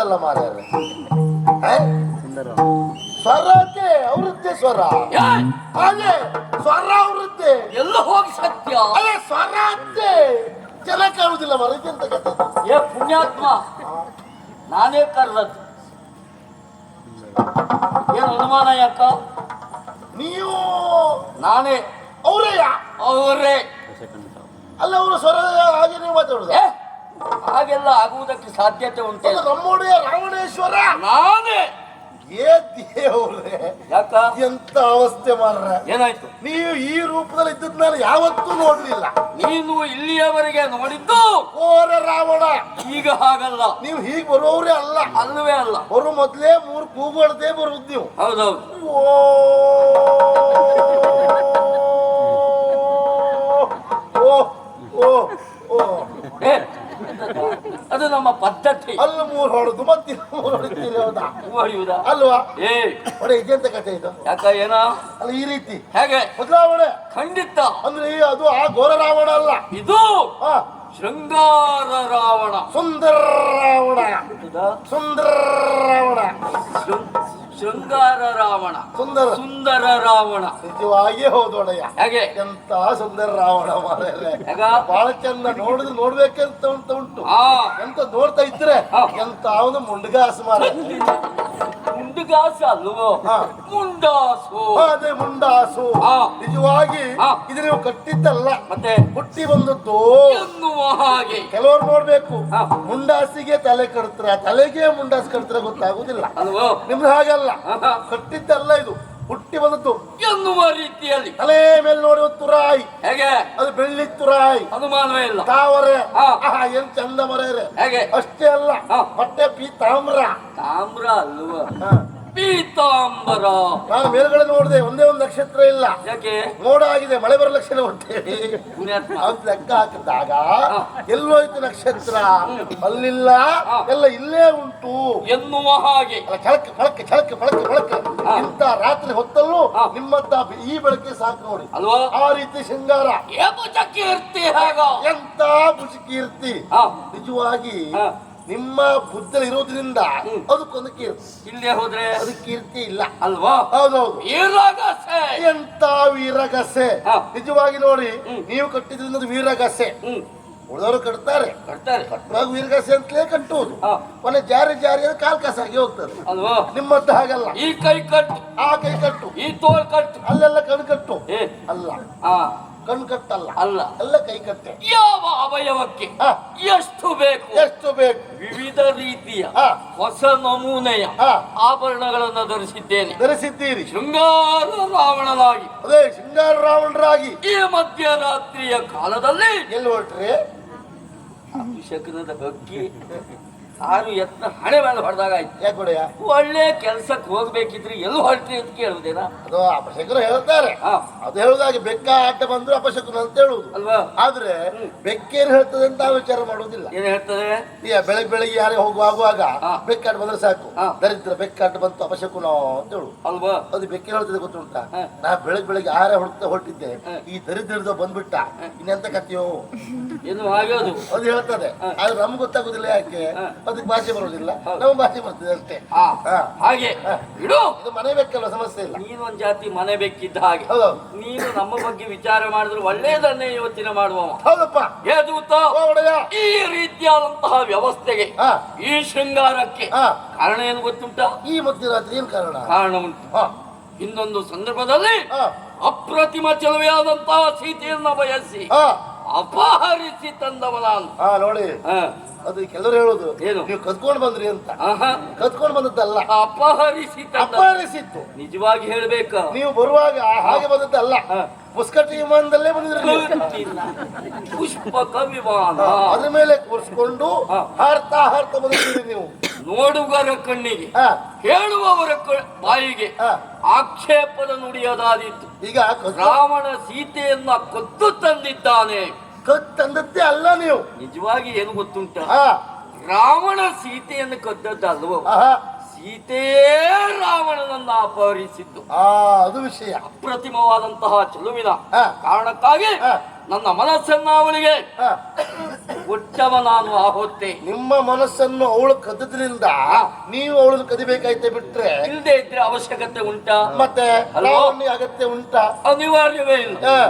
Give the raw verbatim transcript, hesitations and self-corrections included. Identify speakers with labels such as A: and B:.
A: ಉಂಟಲ್ಲ ಮಾರ್ರೆ. ಸ್ವರತೆ ಅವೃತ್ತಿ ಸ್ವರ ಅದೇ ಸ್ವರ ಅವೃತ್ತಿ
B: ಎಲ್ಲ ಹೋಗಿ ಸತ್ಯ
A: ಅದೇ ಸ್ವರತೆ ಜನ ಕಾಣುದಿಲ್ಲ ಮರಕ್ಕೆ ಅಂತ ಕಥೆ.
B: ಏ ಪುಣ್ಯಾತ್ಮ, ನಾನೇ ಕರ್ರದ್ದು. ಏನು ಅನುಮಾನ ಯಾಕ?
A: ನೀವು
B: ನಾನೇ
A: ಅವರೇ
B: ಅವರೇ
A: ಅಲ್ಲ ಅವರು ಸ್ವರ ಹಾಗೆ ನೀವು ಮಾತಾಡುದು.
B: ಹಾಗೆಲ್ಲ ಆಗುವುದಕ್ಕೆ ಸಾಧ್ಯತೆ ಉಂಟು.
A: ನಮ್ಮೊಡೆಯ ರಾವಣೇಶ್ವರ
B: ನಾನೇ.
A: ಏ ದೇವ್ರೆ,
B: ಯಾಕ
A: ಎಂತ ಅವಸ್ಥೆ ಮಾರ್ರ.
B: ಏನಾಯ್ತು?
A: ನೀವು ಈ ರೂಪದಲ್ಲಿ ಇದ್ದದ್ ನಾನು ಯಾವತ್ತೂ ನೋಡ್ಲಿಲ್ಲ.
B: ನೀನು ಇಲ್ಲಿಯವರೆಗೆ ನೋಡಿದ್ದು
A: ಓರ ರಾವಣ.
B: ಈಗ ಹಾಗಲ್ಲ,
A: ನೀವು ಹೀಗೆ ಬರೋವ್ರೆ ಅಲ್ಲ.
B: ಅಲ್ಲವೇ ಅಲ್ಲ,
A: ಬರೋ ಮೊದ್ಲೇ ಮೂರು ಕೂಗೊಳ್ದೇ ಬರುದು ನೀವು.
B: ಹೌದೌದು.
A: ಓ ಓ ಓ
B: ಏ, ಅದು ನಮ್ಮ ಪದ್ಧತಿ.
A: ಅಲ್ಲಿ ಮೂರು ಹೊಡೆದು ಮತ್ತೆ ಮೂರು ಹೊಡಿತೀರಿ. ಹೌದಾ?
B: ಹೊಡೆಯುವುದಾ?
A: ಅಲ್ವಾ?
B: ಏ
A: ಹೊಡೆ ಇದೆಂತ ಕಥೆ ಇದು?
B: ಯಾಕ ಏನ
A: ಅಲ್ಲ ಈ ರೀತಿ
B: ಹೇಗೆ
A: ಬದಲಾವಣೆ
B: ಖಂಡಿತ.
A: ಅಂದ್ರೆ ಈ ಅದು ಆ ಘೋರ ರಾವಣ ಅಲ್ಲ,
B: ಇದು
A: ಹಾ
B: ಶೃಂಗಾರ ರಾವಣ.
A: ಸುಂದರ ರಾವಣ. ಸುಂದರ ರಾವಣ.
B: ಶೃಂಗಾರ ರಾವಣ,
A: ಸುಂದರ
B: ಸುಂದರ ರಾವಣ.
A: ನಿಜವಾಗಿ ಹೌದೊಡೆಯ.
B: ಹೇಗೆ
A: ಎಂತ ಸುಂದರ ರಾವಣ ಮಾರ್ರೆ.
B: ಹೇಗ
A: ಬಹಳ ಚಂದ ನೋಡಿದ್ರೆ ನೋಡ್ಬೇಕಂತ ಉಂಟು ಉಂಟು
B: ಆ
A: ಎಂತ ನೋಡ್ತಾ ಇದ್ರೆ ಎಂತ ಅವನು ಮುಂಡ್ಗಾಸ್ ಮಾರ.
B: ಮುಂಡಗಾಸ ಅಲ್ವೋ? ಮುಂಡಾಸು.
A: ಅದೇ ಮುಂಡಾಸು. ನಿಜವಾಗಿ ಇದು ನೀವು ಕಟ್ಟಿದ್ದಲ್ಲ,
B: ಮತ್ತೆ
A: ಹುಟ್ಟಿ ಬಂದದ್ದು
B: ಎನ್ನುವ ಹಾಗೆ.
A: ಕೆಲವರು ನೋಡ್ಬೇಕು, ಮುಂಡಾಸಿಗೆ ತಲೆ ಕಟ್ತಾರೆ, ತಲೆಗೆ ಮುಂಡಾಸ್ ಕಟ್ತಾರೆ ಗೊತ್ತಾಗುದಿಲ್ಲ.
B: ಅಲ್ವೋ?
A: ನಿಮ್ದು ಹಾಗಲ್ಲ, ಕಟ್ಟಿದ್ದಲ್ಲ, ಇದು ಹುಟ್ಟಿ ಬಂದದ್ದು
B: ಎನ್ನುವ ರೀತಿಯಲ್ಲಿ.
A: ತಲೆ ಮೇಲೆ ನೋಡಿ ಒಂದು ತುರಾಯಿ,
B: ಹೇಗೆ
A: ಅದು ಬೆಳ್ಳಿ ತುರಾಯಿ,
B: ಅನುಮಾನವೇ ಇಲ್ಲ.
A: ತಾವರೆ ಏನ್ ಚಂದ ಮರೆಯರೆ.
B: ಹೇಗೆ
A: ಅಷ್ಟೇ ಅಲ್ಲ, ಬಟ್ಟೆ ಪೀತಾಮ್ರ.
B: ತಾಮ್ರ ಅಲ್ವ? ಪೀತಾಂಬರ.
A: ನಾನು ಮೇಲ್ಗಡೆ ನೋಡಿದೆ, ಒಂದೇ ಒಂದು ನಕ್ಷತ್ರ ಇಲ್ಲ.
B: ಯಾಕೆ?
A: ಮೋಡ ಆಗಿದೆ, ಮಳೆ ಬರೋ ಲಕ್ಷಣ ಉಂಟೇಳಿ
B: ಪುಣ್ಯಾತ್ಮ.
A: ಅಂತ ಲೆಕ್ಕ ಹಾಕಿದಾಗ ಎಲ್ಲೋಯ್ತು ನಕ್ಷತ್ರ? ಅಲ್ಲಿಲ್ಲ, ಎಲ್ಲ ಇಲ್ಲೇ ಉಂಟು
B: ಎನ್ನುವ ಹಾಗೆ.
A: ಅಲ್ಲ, ಕೆಳಕ್ಕೆ ಫಳಕ್ಕೆ ಕೆಳಕ್ಕೆ ಫಳಕ್ಕೆ ಫಳಕ್ಕೆ ಇಂತ ರಾತ್ರಿ ಹೊತ್ತಲ್ಲೂ ನಿಮ್ಮಂತ ಈ ಬೆಳಕೆ ಸಾಕು ನೋಡಿ.
B: ಅಲ್ವಾ?
A: ಆ ರೀತಿ ಶೃಂಗಾರ.
B: ಕೀರ್ತಿ ಹೇಗ?
A: ಎಂತ ಬುಷಿ ಕೀರ್ತಿ. ನಿಜವಾಗಿ
B: ಹ.
A: ನಿಮ್ಮ ಬುದ್ಧಿ ಇರೋದ್ರಿಂದ ಅದಕ್ಕೊಂದು ಕೀರ್ತಿ.
B: ಇಲ್ಲೇ ಹೋದ್ರೆ
A: ಅದು ಕೀರ್ತಿ ಇಲ್ಲ
B: ಅಲ್ವಾ?
A: ಹೌದೌದು.
B: ವೀರಗಸೆ.
A: ಎಂತ ವೀರಗಸೆ. ನಿಜವಾಗಿ ನೋಡಿ, ನೀವು ಕಟ್ಟಿದ್ರಿಂದ ಅದು ವೀರಗಸೆ. ಉಳಿದವರು ಕಟ್ತಾರೆ,
B: ಕಟ್ತಾರೆ,
A: ಕಟ್ಟುವಾಗ ವೀರಗಸೆ ಅಂತಲೇ ಕಟ್ಟುವುದು. ಕೊನೆ ಜಾರಿ ಜಾರಿ ಕಾಲ್ ಕಸಾಗಿ ಹೋಗ್ತದೆ.
B: ಅಲ್ವಾ?
A: ನಿಮ್ಮಂತ ಹಾಗಲ್ಲ.
B: ಈ ಕೈ ಕಟ್ಟು,
A: ಆ ಕೈ ಕಟ್ಟು,
B: ಈ ತೋಳ್ ಕಟ್ಟು,
A: ಅಲ್ಲೆಲ್ಲ ಕಣ್ ಕಟ್ಟು.
B: ಏ
A: ಅಲ್ಲ,
B: ಆ
A: ಕಣ್ ಕಟ್ಟಲ್ಲ,
B: ಅಲ್ಲ,
A: ಎಲ್ಲ ಕೈ ಕಟ್ಟೆ.
B: ಯಾವ ಅವಯವಕ್ಕೆ
A: ಹ.
B: ಎಷ್ಟು ಬೇಕು
A: ಎಷ್ಟು ಬೇಕು
B: ವಿವಿಧ ರೀತಿಯ
A: ಹ.
B: ಹೊಸ ನಮೂನೆಯ
A: ಹ.
B: ಆಭರಣಗಳನ್ನು ಧರಿಸಿದ್ದೇನೆ.
A: ಧರಿಸಿದ್ದೀರಿ.
B: ಶೃಂಗಾರ ರಾವಣನಾಗಿ
A: ಅದೇ ಶೃಂಗಾರ ರಾವಣರಾಗಿ
B: ಈ ಮಧ್ಯರಾತ್ರಿಯ ಕಾಲದಲ್ಲಿ
A: ಎಲ್ಲಿ ಹೊರಟ್ರಿ?
B: ಅಭಿಷೇಕದ ಬಗ್ಗೆ ಆರು ಯತ್ನ ಹಣೆ ಮೇಲೆ ಹೊಡೆದಾಗ ಆಯ್ತು.
A: ಯಾಕೆ ಹೊಡೆಯ?
B: ಒಳ್ಳೆ ಕೆಲ್ಸಕ್ಕೆ ಹೋಗ್ಬೇಕಿದ್ರೆ ಎಲ್ಲಿ ಹೊರಟ್ರಿ ಅಂತ ಕೇಳುವುದೇನಾ?
A: ಅದು ಅಪಶಕರು ಹೇಳ್ತಾರೆ.
B: ಹಾ.
A: ಅದು ಹೇಳುದಾಗೆ ಬೆಕ್ಕ ಆಟ ಬಂದ್ರು ಅಪಶಕರು ಅಂತ ಹೇಳುದು
B: ಅಲ್ವಾ?
A: ಆದ್ರೆ ಬೆಕ್ಕೇನು ಹೇಳ್ತದೆ ಅಂತ ವಿಚಾರ ಮಾಡುವುದಿಲ್ಲ.
B: ಏನ್ ಹೇಳ್ತದೆ?
A: ಈಗ ಬೆಳಗ್ಗೆ ಬೆಳಿಗ್ಗೆ ಯಾರೇ ಹೋಗುವಾಗುವಾಗ
B: ಹಾ.
A: ಬೆಕ್ಕಾಟ ಬಂದ್ರೆ ಸಾಕು,
B: ಹಾ.
A: ದರಿದ್ರ ಬೆಕ್ಕಾಟ ಬಂತು ಅಪಶಕುನ ಅಂತ ಹೇಳು.
B: ಅಲ್ವಾ?
A: ಅದು ಬೆಕ್ಕೇನು ಹೇಳ್ತದೆ ಗೊತ್ತುಂಟಾ?
B: ಹಾ.
A: ನಾ ಬೆಳಗ್ಗೆ ಬೆಳಿಗ್ಗೆ ಆರೇ ಹೊಡ್ತಾ ಹೊರಟಿದ್ದೆ,
B: ಹಾ.
A: ಈ ದರಿದ್ರದ ಬಂದ್ಬಿಟ್ಟ, ಇನ್ನೆಂತ ಕಥೆಯೋ
B: ಏನು ಆಗೋದು?
A: ಅದು ಹೇಳ್ತದೆ. ಆದ್ರೆ ನಮ್ಗೆ ಗೊತ್ತಾಗುದಿಲ್ಲ. ಯಾಕೆ?
B: ಹಾ.
A: ಅದಕ್ಕೆ ಭಾಷೆ ಬರುದಿಲ್ಲ, ನಮ್ಮ ಭಾಷೆ ಬರ್ತದೆ ಅಷ್ಟೇ.
B: ಆ,
A: ಹಾ.
B: ಹಾಗೆ ಇಡು.
A: ಇದು ಮನೆ ಬೇಕಲ್ಲ, ಸಮಸ್ಯೆ ಇಲ್ಲ.
B: ನೀನೊಂದ್ ಜಾತಿ ಮನೆ ಬೇಕಿದ್ದ ಹಾಗೆ.
A: ಹೌದು
B: ನೀನು ನಮ್ಮ ಬಗ್ಗೆ ವಿಚಾರ ಮಾಡಿದ್ರೆ ಒಳ್ಳೇದನ್ನೇ ಯೋಚನೆ ಮಾಡುವವ.
A: ಹೌದಪ್ಪ.
B: ಹೇ ದೂತ,
A: ಓ ಒಡೆಯ.
B: ಈ ರೀತಿಯಾದಂತಹ ವ್ಯವಸ್ಥೆಗೆ,
A: ಹಾ.
B: ಈ ಶೃಂಗಾರಕ್ಕೆ
A: ಹಾ.
B: ಕಾರಣ ಏನು ಗೊತ್ತುಂಟಾ?
A: ಈ ಮಧ್ಯರಾತ್ರಿ ಏನ್ ಕಾರಣ?
B: ಕಾರಣ ಉಂಟು.
A: ಹಾ.
B: ಇನ್ನೊಂದು ಸಂದರ್ಭದಲ್ಲಿ
A: ಹಾ.
B: ಅಪ್ರತಿಮ ಚೆಲುವೆಯಾದಂತಹ ಸೀತೆಯನ್ನ ಬಯಸಿ
A: ಹಾ.
B: ಅಪಹರಿಸಿ ತಂದವ ನಾನು.
A: ಹಾ ನೋಡಿ,
B: ಹಾ.
A: ಅದು ಕೆಲವರು ಹೇಳುದು
B: ಏನು?
A: ನೀವು ಕದ್ಕೊಂಡು ಬಂದ್ರಿ ಅಂತ.
B: ಆಹಾ.
A: ಕದ್ಕೊಂಡು ಬಂದದ್ದಲ್ಲ,
B: ಅಪಹರಿಸಿ ತಂದ.
A: ಅಪಹರಿಸಿತ್ತು.
B: ನಿಜವಾಗಿ ಹೇಳ್ಬೇಕ,
A: ನೀವು ಬರುವಾಗ ಹಾಗೆ ಬಂದದ್ದಲ್ಲ,
B: ಹಾ.
A: ಮುಸ್ಕಟ್ ವಿಮಾನದಲ್ಲೇ ಬಂದಿದ್ರಿ ನೀವು.
B: ಕತ್ತಿನ ಪುಷ್ಪಕ ವಿಮಾನ.
A: ಹಾ, ಅದ್ರ ಮೇಲೆ ಕೂರಿಸ್ಕೊಂಡು
B: ಹಾ.
A: ಹಾರ್ತಾ ಹಾರ್ತಾ ಬಂದಿದ್ದೀರಿ ನೀವು.
B: ನೋಡುಗರ ಕಣ್ಣಿಗೆ,
A: ಹಾ.
B: ಹೇಳುವವರ ಕ- ಬಾಯಿಗೆ
A: ಹಾ.
B: ಆಕ್ಷೇಪದ ನುಡಿಯದಾದಿತ್ತು.
A: ಈಗ ಕದ್-
B: ರಾವಣ ಸೀತೆಯನ್ನ ಕೊದ್ದು ತಂದಿದ್ದಾನೆ.
A: ಕದ್ ತಂದದ್ದೇ ಅಲ್ಲ ನೀವು.
B: ನಿಜವಾಗಿ ಏನು ಗೊತ್ತುಂಟ?
A: ಹಾ.
B: ರಾವಣ ಸೀತೆಯನ್ನು ಕದ್ದದ್ದಲ್ವೋ,
A: ಆಹಾ.
B: ಸೀತೆಯೇ ರಾವಣನನ್ನ ಅಪಹರಿಸಿದ್ದು.
A: ಆ ಅದು ವಿಷಯ.
B: ಅಪ್ರತಿಮವಾದಂತಹ ಚೆಲುವಿನ
A: ಹಾ.
B: ಕಾರಣಕ್ಕಾಗಿ
A: ಹಾ.
B: ನನ್ನ ಮನಸ್ಸನ್ನ ಅವಳಿಗೆ
A: ಹಾ.
B: ಉತ್ತಮ ನಾನು ಆ ಹೊತ್ತೆ
A: ನಿಮ್ಮ ಮನಸ್ಸನ್ನು ಅವಳು ಕದ್ದದ್ರಿಂದ ನೀವು ಅವಳನ್ನು ಕದಿಬೇಕಾಯ್ತೆ ಬಿಟ್ರೆ
B: ಇಲ್ಲದೆ ಇದ್ರೆ ಅವಶ್ಯಕತೆ ಉಂಟಾ?
A: ಮತ್ತೆ
B: ಅಲ್ವೋ?
A: ಲಾವಣ್ಯ ಅಗತ್ಯ ಉಂಟಾ?
B: ಅನಿವಾರ್ಯವೇ ಇಲ್ಲ.
A: ಹಾ.